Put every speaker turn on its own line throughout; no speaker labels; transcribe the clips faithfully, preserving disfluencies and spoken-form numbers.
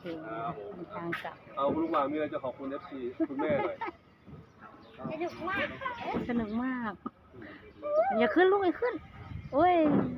เคมีทางกลับ
เอาคุณลุงหวานมีอะไรจะขอบคุณเอฟซีคุณแม่หน่อย
สนุกมากสนุกมากอย่าขึ้นลูกอย่าขึ้นโอ้ย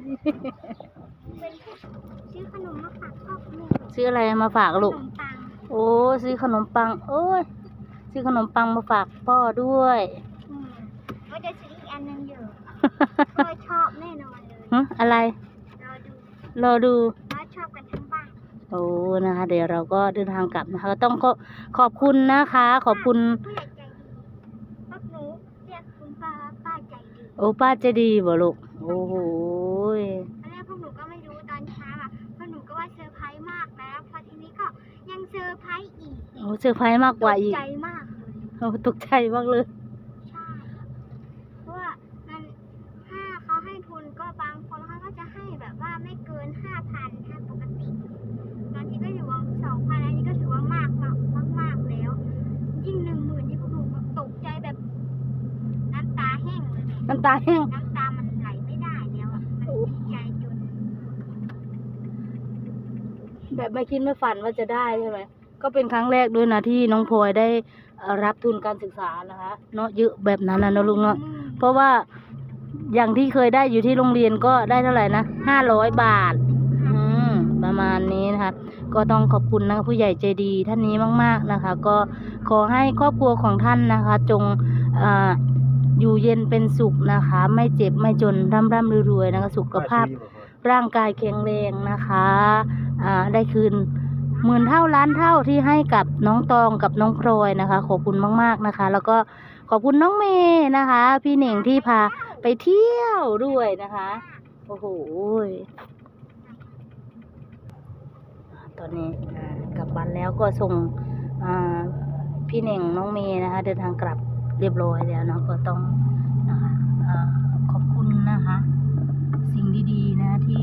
ซื้อขนมมาฝากพ่อแม่
ซื้ออะไรมาฝากลูกโอ้ซื้อขนมปังโอ้ยซื้อขนมปังมาฝากพ่อด้วย
ก็จะซื้ออีกอันนึงอยู่พ่อชอบแน่นอนเลย
ฮะอะไรรอดู
พ่อชอบกันทั้งบ้าน
โอ้นะคะเดี๋ยวเราก็เดินทางกลับนะคะต้องขอขอบคุณนะคะขอบคุณ
ผู้ใหญ่ใจดีพวกหนูเรียกคุณป้าป้าใจดี
โอ้ป้าใจดีบ่ลูกโอ้โห
ตอนแรกพวกหนูก็ไม่รู้ตอนเช้าอ่ะพวกหนูก็ว่าเซอร์ไพรส์มากแล้วพอทีนี้ก็ยังเซอร์ไพรส์อีก
โอ้เซอร์ไพรส์มากกว่าอีก
ตกใจมากเลย
โอ้ตกใจมากเลย
ใช่เพราะว่ามันถ้าเขาให้ทุนก็บางคนเขาก็จะให้แบบว่าไม่เกินห้าพันถ้าปกติบางทีก็อยู่ว่าสองพันอันนี้ก็ถือว่ามากมากมากมากแล้วยิ่งหนึ่งหมื่นที่พวกหนูตกใจแบบน้ำตาแห้งเลย
น้ำตาแห้ง
น้ำตามันไหลไม่ได้แล้วอ่ะมันดีใจจน
แบบไม่คิดไม่ฝันว่าจะได้ใช่ไหมก็เป็นครั้งแรกด้วยนะที่น้องพลอยได้รับทุนการศึกษานะคะเนาะเยอะแบบนั้นนะลุงเนาะเพราะว่าอย่างที่เคยได้อยู่ที่โรงเรียนก็ได้เท่าไหร่นะห้าร้อยบาทอืมประมาณนี้นะคะก็ต้องขอบคุณนะผู้ใหญ่ใจดีท่านนี้มากๆนะคะก็ขอให้ครอบครัวของท่านนะคะจงอ่าอยู่เย็นเป็นสุขนะคะไม่เจ็บไม่จนร่ำร่ำรวยๆนะคะสุขภาพร่างกายแข็งแรงนะคะอ่าได้คืนหมื่นเท่าล้านเท่าที่ให้กับน้องตองกับน้องพลอยนะคะขอบคุณมากๆนะคะแล้วก็ขอบคุณน้องเมย์นะคะพี่เหน่งที่พาไปเที่ยวด้วยนะคะโอ้โหตอนนี้กลับบ้านแล้วก็ส่งพี่เหน่งน้องเมย์นะคะเดินทางกลับเรียบร้อยแล้วเนาะก็ต้องนะคะขอบคุณนะคะสิ่งดีๆนะที่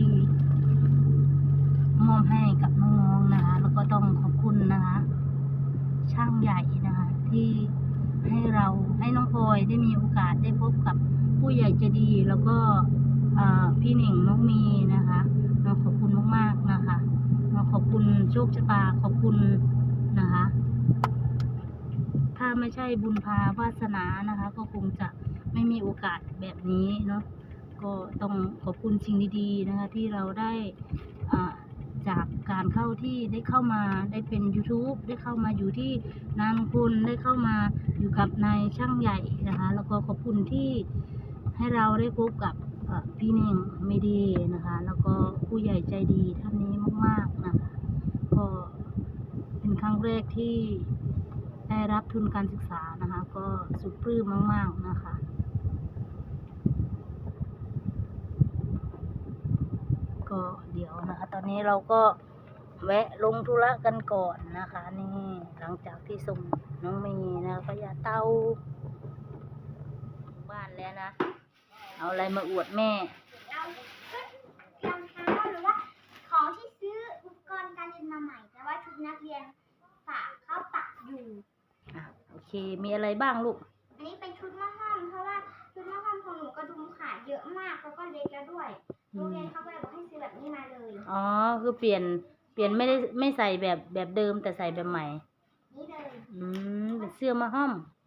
มอบให้กับน้องๆนะคะแล้วก็ต้องขอบคุณนะคะช่างใหญ่นะคะที่ให้เราให้น้องพลอยได้มีโอกาสได้พบกับผู้ใหญ่ใจดีแล้วก็พี่เหน่งน้องมีนะคะเราขอบคุณมากๆนะคะเราขอบคุณโชคชะตาขอบคุณนะคะถ้าไม่ใช่บุญพาวาสนานะคะก็คงจะไม่มีโอกาสแบบนี้เนาะก็ต้องขอบคุณสิ่งดีๆนะคะที่เราได้จากการเข้าที่ได้เข้ามาได้เป็น YouTube ได้เข้ามาอยู่ที่นางคุณได้เข้ามาอยู่กับนายช่างใหญ่นะคะแล้วก็ขอบคุณที่ให้เราได้พบกับพี่เน่งไม่ดีนะคะแล้วก็ผู้ใหญ่ใจดีท่านนี้มากๆนะคะก็เป็นครั้งแรกที่ได้รับทุนการศึกษานะคะก็สุดปลื้มมากๆนะคะก็เดี๋ยวนะคะตอนนี้เราก็แวะลงธุระกันก่อนนะคะนี่หลังจากที่ส่งน้องเมย์นะพญาเต่าบ้านแล้วนะเอาอะไรมาอวดแม่
รองเท้าหรือว่าของที่ซื้ออุปกรณ์การเรียนมาใหม่แต่ว่าชุดนักเรียนฝากเข้าปักอยู่
โอเคมีอะไรบ้างลูก
อันนี้เป็นชุดมะฮ่อมเพราะว่าชุดมะฮ่อมของหนูกระดุมขาเยอะมากแล้วก็เล็กแล้วด้วยโรงเรียนเขาก็เลยบอกให้ซื้อแบบนี้มาเลย
อ๋อคือเปลี่ยนเปลี่ยนไม่ได้ไม่ใส่แบบแบบเดิมแต่ใส่แบบใหม่
นี่เลย
อืมเป็นเสื้อมะฮ่อม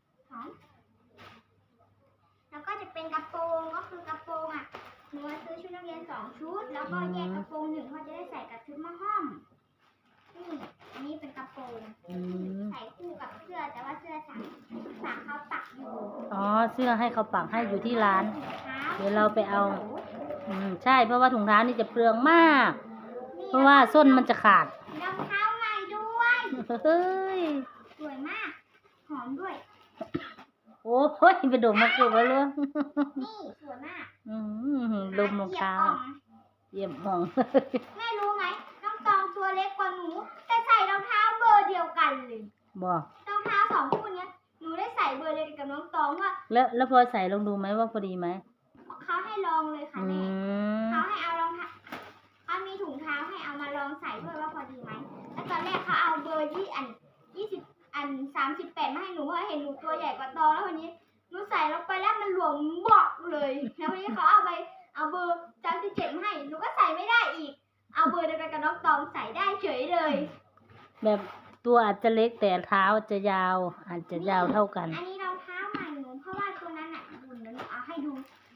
แล้วก็จะเป็นกระโปรงก็คือกระโปรงอ่ะหนูซื้อชุดนักเรียนสองชุดแล้วก็แยกกระโปรงหนึ่งเขาจะได้ใส่กับชุดมะฮ่อมนี่อันนี้เป็นกระโปรงใส่คู่กับเสื้อแต่ว่าเสื้อสั่งสั่งเขาปักอยู่
อ๋อเสื้อให้เขาปักให้อยู่ที่ร้านเดี๋ยวเราไปเอาอืมใช่เพราะว่าถุงเท้านี่จะเปลืองมากเพราะว่าส้นมันจะขาด
รองเท้าใหม่ด้วย
เฮ้ย
สวยมากหอมด้วย
โอ้ยไปดมมาเกือบแล้วลูก
นี่สวยมาก
อืมดมรองเท้าเยี่ยมมอง
แม่รู้ไหมน้องตองตัวเล็กกว่าหนูแต่ใส่รองเท้าเบอร์เดียวกันเลย
บอก
รองเท้าสองคู่นี้หนูได้ใส่เบอร์เดียวกันกับน้องตองว่า
แล้วแล้วพอใส่ลองดูไหมว่าพอดีไหม
เขาให้ลองเลยค่ะแม่เขาให้เอารองเท้าเขามีถุงเท้าให้เอามาลองใส่ด้วยว่าพอดีไหมแล้วตอนแรกเขาเอาเบอร์ยี่อันยี่สิบอันสามสิบแปดมาให้หนูเพราะเห็นหนูตัวใหญ่กว่าตองแล้ววันนี้หนูใส่ลงไปแล้วมันหลวมบอกเลยแล้ววันนี้เขาเอาไปเอาเบอร์สามสิบเจ็ดมาให้หนูก็ใส่ไม่ได้อีกเอาเบอร์เดียวกันกับน้องตองใส่ได้เฉยเลย
แแบบตัวอาจจะเล็กแต่เท้าจะยาว อาจจะยาวเท่ากัน
อันนี้รองเท้าใหม่หนูเพราะว่าตัวนั้นอ่ะบุญแล้วหนูเอาให้ดู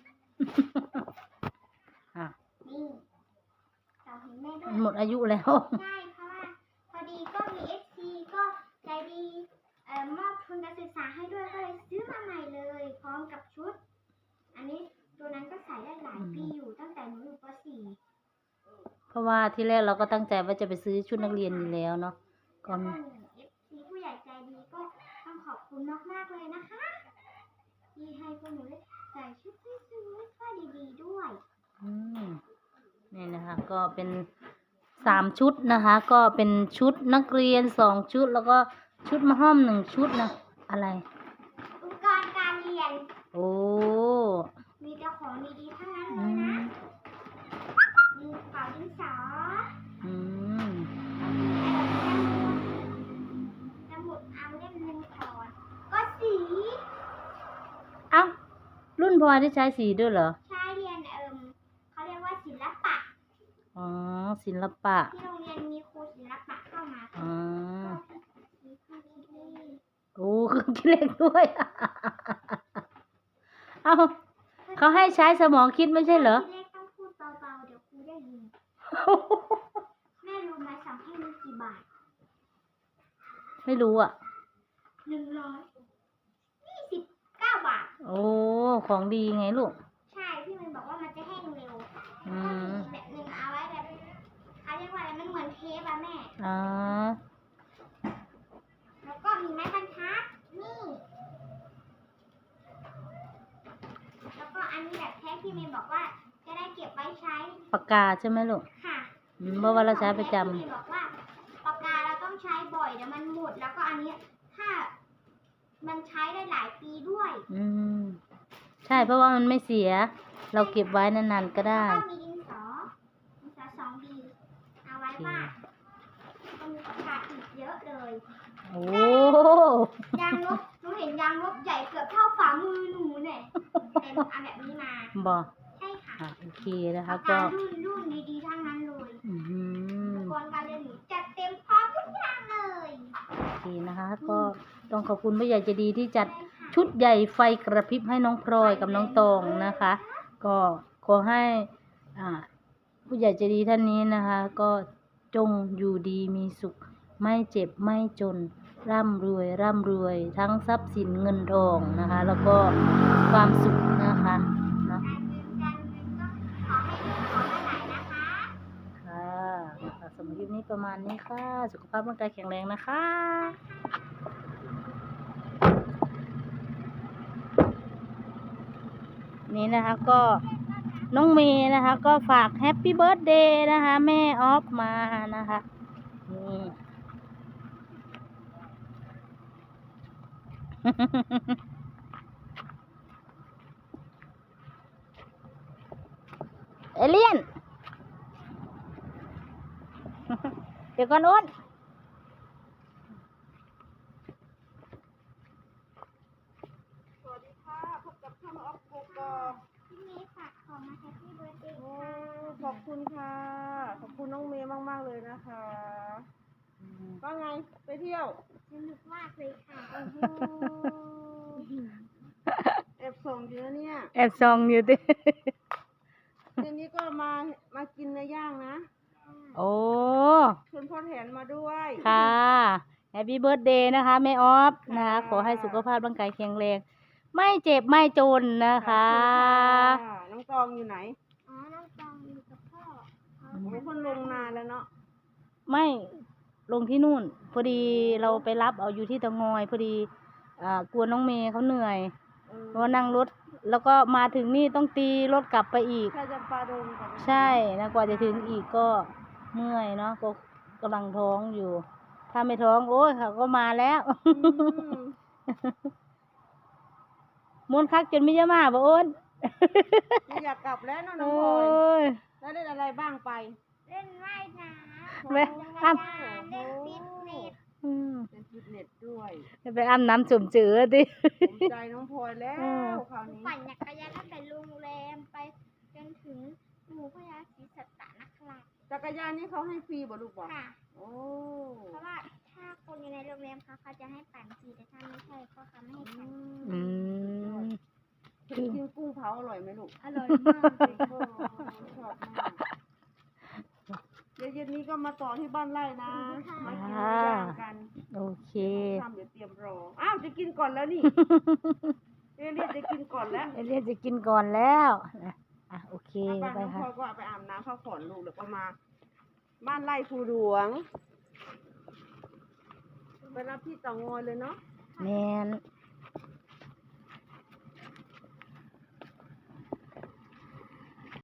อ่ะ
นี่เราเห็นแม่ด้วย
หมดอายุแล้ว
ใช่เพราะว่าพอดีก็มีเอฟซีก็ใจดีเอ่อมอบทุนการศึกษาให้ด้วยก็เลยซื้อมาใหม่เลย พร้อมกับชุด อันนี้ตัวนั้นก็ใส่ได้หลายปีอยู่ตั้งแต่หนูอยู่ป .สี่
เพราะว่าที่แรกเราก็ตั้งใจว่าจะไปซื้อชุดนักเรียนอยู่แล้วเนาะก็
แล้วก็เอฟซีผู้ใหญ่ใจดีก็ต้องขอบคุณมากๆเลยนะคะ ที่ให้พวกหนูได้ใส่ชุดที่สวยๆผ้าดีๆด้วย
อืมนี่นะคะ ก็เป็นสามชุดนะคะ ก็เป็นชุดนักเรียนสองชุด แล้วก็ชุดมะห้อมหนึ่งชุดนะ อะไร
อุปกรณ์การเรียน
โอ้
มีแต่ของดีๆทั้งนั้นเล
อื
ยนะ
ม
มีกระเป๋าดินสอ
อืม
สมุดเอาเล่มหนึ่งก่อนก็สี
เอ้า รุ่นพลอยได้ใช้สีด้วยเหรอ
ใช้เรียนเอิมเขาเรียกว่าศิลปะ
อ๋อ ศิลปะ
ที่โรงเรียนมีครูศิลปะเข้ามา
อ๋อ
ก็มีครูคิดเลข
โอ้เครื่องคิดเลขด้วย เอ้าเขาให้ใช้สมองคิดไม่ใช่เหรอ
คิดเลขต้องพูดเบาๆเดี๋ยวครูได้ยิน แม่รู้ไหมสั่งให้มีกี่บาท
ไม่รู้อ่ะ
หนึ่งร้อยยี่สิบเก้าบาท
โอ้ ของดีไงลูก
ใช่พี่มันบอกว่ามันจะแห้งเร็ว
อื
แล้วก็
ม
มีอีกแบบหนึ่งเอาไว้แบบเขาเรียกว่าอะไรมันเหมือนเทปอะแม่
อ๋อ
แล้วก็มีไม้บรรทัดนี่ แล้วก็อันนี้แบบแท้ที่เมย์บอกว่าจะได้เก็บไว้ใช้
ปากกาใช่ไหมลูก
ค่ะ
อืมเพราะว่าเราใช้ประจำ
ที่เมย์บอกว่าปากกาเราต้องใช้บ่อยเดี๋ยวมันหมด แล้วก็อันนี้ถ้ามันใช้ได้หลายปีด้วย
อืม ใช่เพราะว่ามันไม่เสีย เราเก็บไว้นานๆก็ได้
แล้วก็มีดินสอดินสอสองบีเอาไว้วาดก็มีปากกาอีกเยอะเลย
โอ้
ยางลบหนูเห็นยางลบใหญ่เกือบเท่าฝ่ามือหนูเนี่ยเป็นเอาแบบนี้มา
บอก
ใช่ค่ะ
อ่ะโอเคนะคะ
ปาก
ก็
การุ่นรุ่นดีๆทั้งนั้นเลย
อื
อุ
ม
ปกรณ์การเรียนหนูจัดเต็มพร้อมทุกอย่างเลย
โอเคนะคะ ก็ต้องขอบคุณผู้ใหญ่ใจดีที่จัด
ใช่ค่ะ
ชุดใหญ่ไฟกระพริบให้น้องพลอยกับน้องตองนะคะ ก็ขอให้อ่าผู้ใหญ่ใจดีท่านนี้นะคะ ก็จงอยู่ดีมีสุข ไม่เจ็บไม่จน ร่ำรวยร่ำรวยทั้งทรัพย์สินเงินทองนะคะ แล้วก็ความสุขนะคะเนาะ
การเงินการเงินก็ขอให้ดีขอให้ไหลนะคะ
ค่ะสำหรับคลิปนี้ประมาณนี้ค่ะ สุขภาพร่างกายแข็งแรงนะคะ นี่นะคะก็น้องเมย์นะคะ ก็ฝากแฮปปี้เบิร์ a เดย์นะคะ แม่ออฟมานะคะนี่ เอเลียน เดี๋ยวก่อนอ้น
สวัสดีค่ะ พบกับช่องออฟกกอก
พี่เมย์ฝากของมาแฮปปี้เบิร์ดเดย์
โอ้
ค่ะ
ขอบคุณค่ะ ขอบคุณน้องเมย์มาก ๆ เลยนะคะว่าไง ไปเที่ยว
สนุกมากเลยค่ะ
โอ้โหแอบส่งอยู่นะเนี่ย
แอบซองอยู่ดิ
เดี๋ยวนี้ก็มา มากินเนื้อย่างนะ
โอ้
ชวนพ่อแถนมาด้วย
ค่ะแฮปปี้เบิร์ a เดย์นะคะแม่ออฟนะคะ
ค่ะ
ขอให้สุขภาพร่างกายแข็งแรง ไม่เจ็บไม่จนนะ
ขอบ
คะ
ณค่ะน้องตองอยู่ไหน
อ๋อ น้องตองอยู่กับพ่อเขา
โอ้คนลงนานแล้วเนาะ
ไม่ลงที่นู่น พอดีเราไปรับเอาอยู่ที่เตางอย พอดีอ่ากลัวน้องเมย์เขาเหนื่อย
เออ
เพราะว่านั่งรถ แล้วก็มาถึงนี่ต้องตีรถกลับไปอีก
ถ้าจะปลาดงกับ
ใช่นะกว่าจะถึงอีกก็เมื่อยเนาะก็กำลังท้องอยู่ ถ้าไม่ท้องโอ้ยเขาก็มาแล้ว
อืม
มวนคักจนไม่จะมาบ่โอ้น
ไม่อยากกลับแล้วเนาะน้
โอ้
องพลอย
ย
แล้วเล่นอะไรบ้างไป
เล่นว่ายน้ำ
แม่
จักร
อ้ำ
ยานเล่นฟิตเนส
อืม
เป็นฟิตเนสด้วย
ไปอาบน้ำจุ่มจืดดิ
ผมใจน้องพลอยแล้
อืม
วคราวนี้
ปั่นจักรยานตั้งแต่โรงแรมไปจนถึงหมู่พญาศรีสัตตนคราช
จักรยานนี่เขาให้ฟรีบ่ลูกบอก
ค่ะ
โอ้
เพราะว่าให้ปั่นสิแต่ถ้าไม่ใช่ก็เขาไม่ให้ปั่น
อืม
กินกุ้งเผาอร่อยไหมลูก
อร่อยมากเลย
โอ้ชอบมากเดี๋ยวเย็นนี้ก็มาต่อที่บ้านไร่นะมากินย่างกัน
โอเค
ทำเดี๋ยวเตรียมรออ้าวจะกินก่อนแล้วนี่เรียนจะกินก่อนแล้ว
เอเลียนจะกินก่อนแล้วนะอ่ะโอเค
บ้าน
ไป
น้อง
ค่ะ
พ่อก็เอาไปอาบน้ำเข้าก่อนลูกเดี๋ยวก็มา บ้านไร่ภูหลวง ไปรับที่เต่างอยเลยเนาะ
แมน